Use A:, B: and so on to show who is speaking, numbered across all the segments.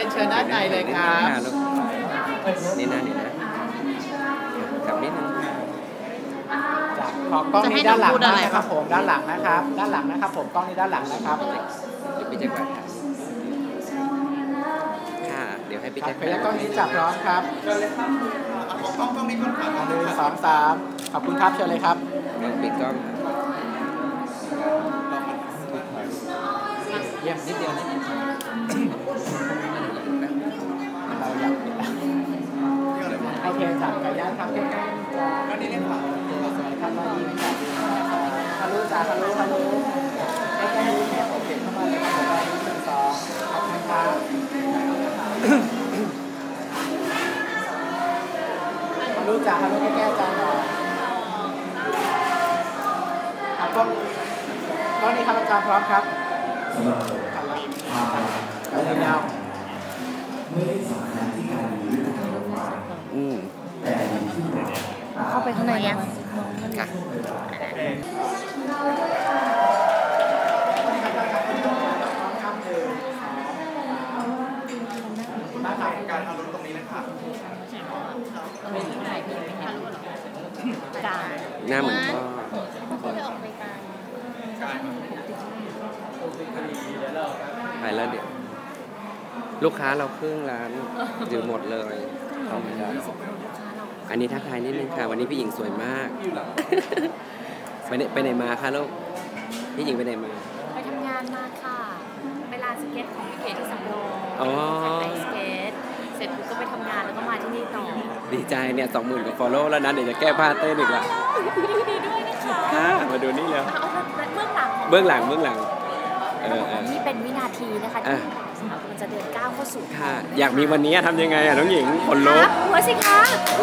A: รียนเชิญด้านในเลยครับ
B: นี่นะกับนิดนึง
A: จากขอกล้องนี้ด้านหลังนะครับผมด้านหลังนะครับด้านหลังนะครับผมกล้องนี้ด้านหลังนะครับ
B: เดี๋ยวพี่แจ็คถ่ายค่ะเดี๋ยวให้พี่แจ็ค
A: พยักกล้องนี้จับพร้อมครับเชิญเลยครับกล้องนี้ก่อนครับ1 2 3ขอบคุณครับเชิญเลยครับ
B: ลองปิดกล้อง
A: เยี่ยมนิดเดียวเราอยากปิดโอเคจับกันยันครับใกล้ๆก็นี่เล่นผ่านสวยครับมาดีนะครับฮัลโหลจ้าฮัลโหลใกล้ๆนี้เนี่ยผมเห็นเข้ามาเลยครับ1 2ขอบคุณครับฮัลโหลจ้าฮัลโหลใกล้ๆจ้าหน่อยครับก็นี่ครับอาจารย์พร้อมครับยาว
C: ไม่ได้สำคัญที่การมีวิธีการวางแต่ที่
D: เข้าไปข้างในยัง
B: ค่ะ
A: การเอารถตรงนี้นะครับ
B: หน้าเหมือนพ่อไปแล้วเดี๋ยวลูกค้าเราครึ่งร้านอยู่หมดเลยเข้าไม่ได้อันนี้ทักทายนิดนึงค่ะวันนี้พี่หญิงสวยมากไปไหนมาคะลูกพี่หญิงไปไหนมา
D: ไปทำงานมาค่ะไปลานสเก็ตของพี่เก๋ที่สำโรงไปสเก็ตเสร็จปุ๊บก็ไปทำงานแล้วก็มาที่นี่ต่อ
B: ดีใจเนี่ย20,000 กว่า follow แล้วนะเดี๋ยวจะแก้ผ้าเต้นอีกละ
D: ดีด้วยนะคะ
B: มาดูนี่แล้ว
D: เบื้องหลังนี่เป็นวินาทีนะคะที่มันจะเดินก้าวเข้าสู่
B: ค่ะอยากมีวันนี้ทำยังไงน้องหญิงคนลุก
D: หัวสิคะ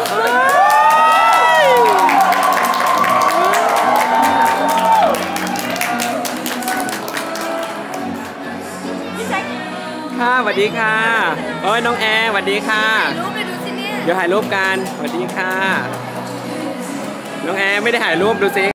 B: ค่ะสวัสดีค่ะโอ้ยน้องแอร์สวัสดีค่ะ
D: รูปไปดูสิเนี่ย
B: เดี๋ยวถ่ายรูปกันสวัสดีค่ะน้องแอร์ไม่ได้ถ่ายรูปดูสิ